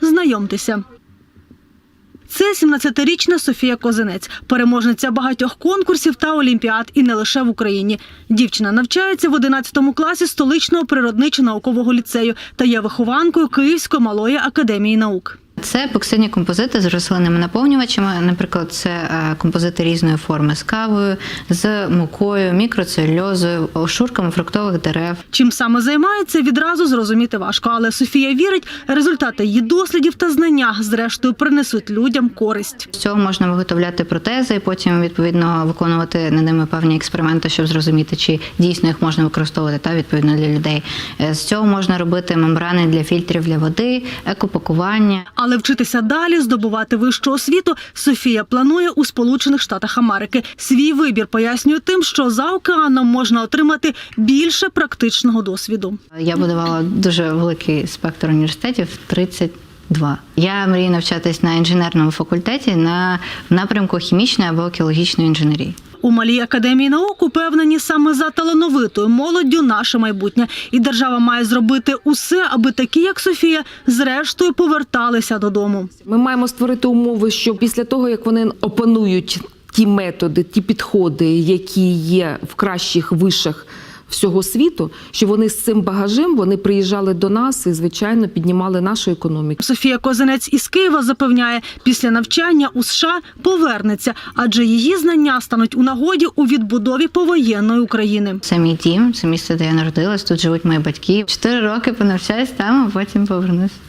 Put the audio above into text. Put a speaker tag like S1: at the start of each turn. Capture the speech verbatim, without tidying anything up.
S1: Знайомтеся. Це сімнадцятирічна Софія Козинець, переможниця багатьох конкурсів та олімпіад і не лише в Україні. Дівчина навчається в одинадцятому класі столичного природничо-наукового ліцею та є вихованкою Київської малої академії наук.
S2: Це епоксидні композити з рослинними наповнювачами. Наприклад, це композити різної форми з кавою, з мукою, мікроцелюльозою, шурками фруктових дерев.
S1: Чим саме займається, відразу зрозуміти важко. Але Софія вірить, результати її дослідів та знання зрештою принесуть людям користь.
S2: З цього можна виготовляти протези і потім, відповідно, виконувати над ними певні експерименти, щоб зрозуміти, чи дійсно їх можна використовувати та відповідно для людей. З цього можна робити мембрани для фільтрів для води, екопакування.
S1: Але вчитися далі, здобувати вищу освіту Софія планує у Сполучених Штатах Америки. Свій вибір пояснює тим, що за океаном можна отримати більше практичного досвіду.
S2: Я будувала дуже великий спектр університетів – тридцять два. Я мрію навчатись на інженерному факультеті на напрямку хімічної або екологічної інженерії.
S1: У Малій академії наук упевнені, саме за талановитою молоддю наше майбутнє. І держава має зробити усе, аби такі, як Софія, зрештою поверталися додому.
S3: Ми маємо створити умови, що після того, як вони опанують ті методи, ті підходи, які є в кращих вишах всього світу, що вони з цим багажем вони приїжджали до нас і, звичайно, піднімали нашу економіку.
S1: Софія Козинець із Києва запевняє, після навчання у США повернеться, адже її знання стануть у нагоді у відбудові повоєнної України.
S2: Це мій дім, це місце, де я народилась, тут живуть мої батьки. Чотири роки понавчаюсь там, а потім повернусь.